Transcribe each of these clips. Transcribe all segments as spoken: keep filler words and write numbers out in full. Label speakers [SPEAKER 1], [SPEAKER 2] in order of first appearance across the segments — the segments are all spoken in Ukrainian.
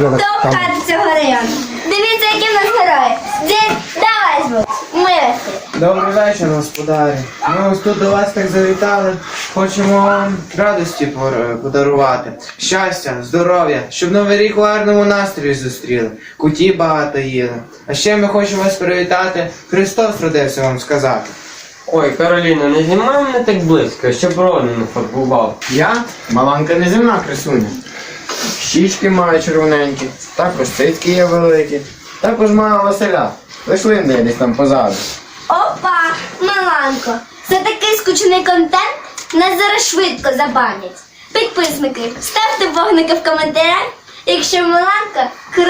[SPEAKER 1] Хто вкати цього району? Дивіться, які в нас герої. Дід, давай звук. Милості.
[SPEAKER 2] Добрий вечір, господарі. Ми ось тут до вас так завітали. Хочемо вам радості пор- подарувати. Щастя, здоров'я, щоб Новий рік у гарному настрої зустріли. Куті багато їли. А ще ми хочемо вас привітати. Христос родився вам сказати.
[SPEAKER 3] Ой, Кароліна, не знімай мене так близько, щоб рони не фарбував.
[SPEAKER 2] Я маланка неземна красуня. Щічки маю червоненькі, також цицьки є великі. Також маю Василя. Лиш линде десь там позаду.
[SPEAKER 1] Опа, Маланко. За такий скучний контент нас зараз швидко забанять. Підписники, ставте вогники в коментарях, якщо Маланка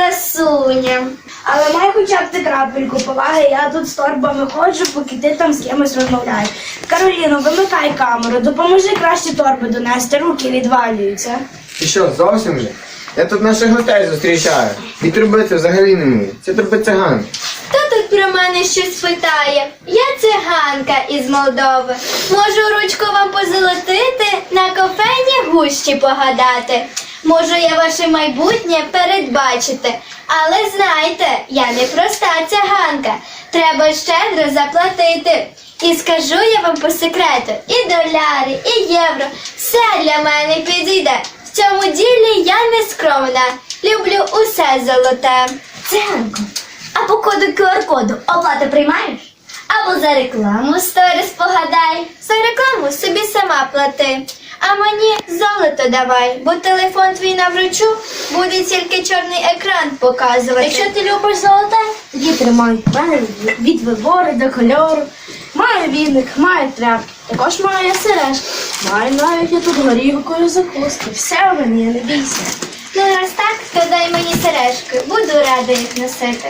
[SPEAKER 1] красуня.
[SPEAKER 4] Але май хоча б ти крапельку поваги, я тут з торбами ходжу, поки ти там з кимось розмовляєш. Кароліно, вимикай камеру, допоможи краще торби донести, руки відвалюються.
[SPEAKER 2] Ти що, зовсім же? Я тут наших гостей зустрічаю. І трубити взагалі не вмію. Це труби циган.
[SPEAKER 1] Хто тут про мене щось питає? Я циганка із Молдови. Можу ручку вам позолотити, на кофейні гущі погадати. Можу я ваше майбутнє передбачити. Але знайте, я не проста циганка. Треба щедро заплатити. І скажу я вам по секрету, і доляри, і євро, все для мене підійде. В цьому ділі я не скромна, люблю усе золоте. Циганко, а по коду ку ар коду оплати приймаєш? Або за рекламу сторіс погадай. За рекламу собі сама плати. А мені золото давай, бо телефон твій навручу буде тільки чорний екран показувати. Якщо ти любиш золоте,
[SPEAKER 4] Тоді тримай. У мене від вибору до кольору. Маю віник, маю тряпки, також маю я сережки. Маю навіть я тут горілкою закуски. Все в мені, не бійся.
[SPEAKER 1] ну раз так, то дай мені сережки, буду рада їх носити.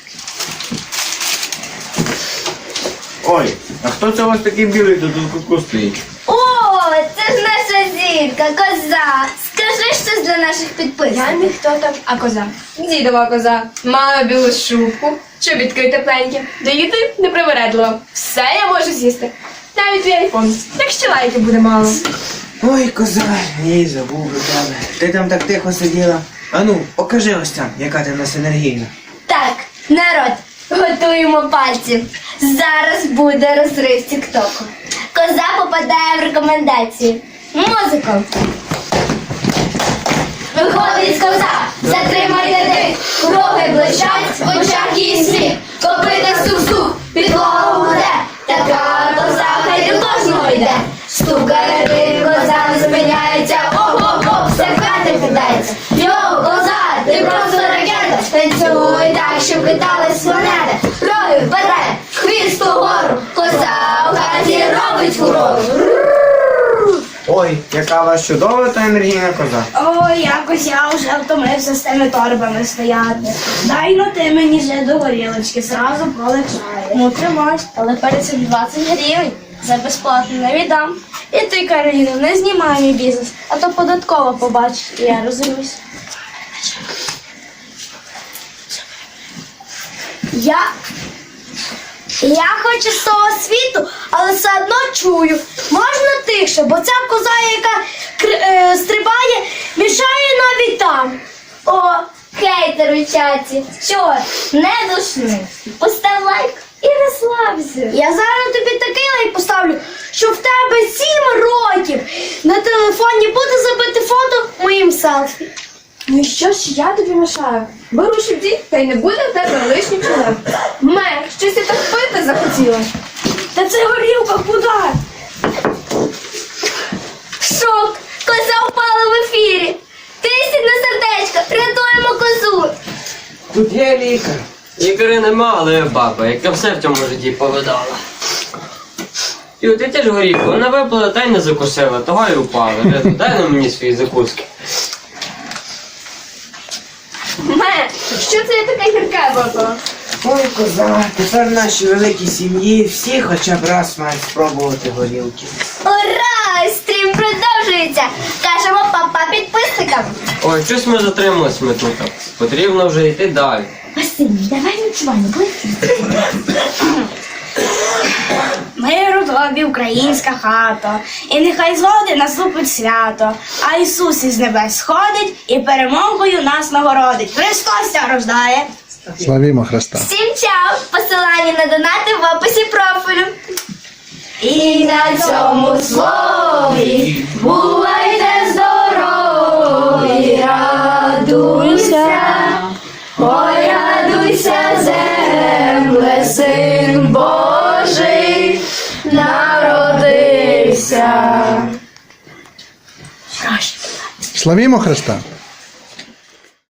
[SPEAKER 2] Ой, а хто це у вас такий білий тут у кутку стоїть?
[SPEAKER 1] О, це ж наша зірка, коза. Скажи щось для наших підписників.
[SPEAKER 4] Я ніхто там, а коза.
[SPEAKER 5] Дідова коза мала білу шубку, чобітки тепленькі, доїти непривередливо. Все я можу з'їсти. Навіть твій айфон. Так що лайків буде мало.
[SPEAKER 2] Ой, коза, їй забув про тебе. Ти там так тихо сиділа. Ану, покажи ось там, яка ти в нас енергійна.
[SPEAKER 1] Так, народ, готуємо пальці. Зараз буде розрив тіктоку. Коза попадає в рекомендації. Музику. Виходить коза, затримайте дих, роги блищать, в очах її сміх, копита стук-стук, підлогу гуде, така коза хай до кожного йде. Стукає дих, коза не зупиняється, оп-оп-оп, все в хати кидається. Йоу, коза, ти просто ракета, танцюй так, щоб хитались планети. Роги вперед, хвіст угору, коза в хаті робить фурору.
[SPEAKER 2] Ой, яка у вас чудова та енергійна коза.
[SPEAKER 4] Ой, якось я вже втомився з тими торбами стояти. Дай ну ти мені вже до горілочки, зразу полегшає. Ну тримай, але перед цим двадцять гривень. За безплатно не віддам. І ти, Кароліно, не знімай мій бізнес, а то податково побачиш, і я розуміюсь. Я... Я хоч із того світу, але все одно чую. Можна тихше, бо ця коза, яка кр- е, стрибає, мішає навіть там.
[SPEAKER 1] О, хейтер у чаті, що, не душни, постав лайк і розслабся.
[SPEAKER 4] Я зараз тобі такий лайк поставлю, що в тебе сім років на телефоні буде забити фото моїм селфі.
[SPEAKER 5] Ну і що ж я тобі мешаю? Беру щебді, та й не буде в тебе лишніх проблем. Ме, щось я так пити захотіла.
[SPEAKER 4] Та це горілка, куди?
[SPEAKER 1] Шок, коза впала в ефірі. Тисять на сердечко, рятуємо козу.
[SPEAKER 2] Тут є лікар.
[SPEAKER 3] Лікаря нема, але я баба, яка все в цьому житті повидала. І от ти теж горіху, вона випила та й не закусила, того й упала. Дай на мені свої закуски.
[SPEAKER 5] Ме, що це я таке гірке випила?
[SPEAKER 2] Ой, коза, тепер в нашій великій сім'ї всі хоча б раз мають спробувати горілки.
[SPEAKER 1] Ура! Стрім продовжується. Кажемо папа підписникам.
[SPEAKER 3] Ой, щось ми затримались ми тут. Потрібно вже йти далі.
[SPEAKER 1] Василь, давай ночування, близько.
[SPEAKER 4] Миру тобі, українська хата, і нехай згоди наступить свято, а Ісус із небес сходить і перемогою нас нагородить. Христос ся рождає.
[SPEAKER 6] Славімо Христа.
[SPEAKER 1] Всім чао! Посилання на донати в описі профілю. І на цьому слові бувайте здорові, радуйся, ой, радуйся, земле, Син Божий народився.
[SPEAKER 6] Славімо Христа.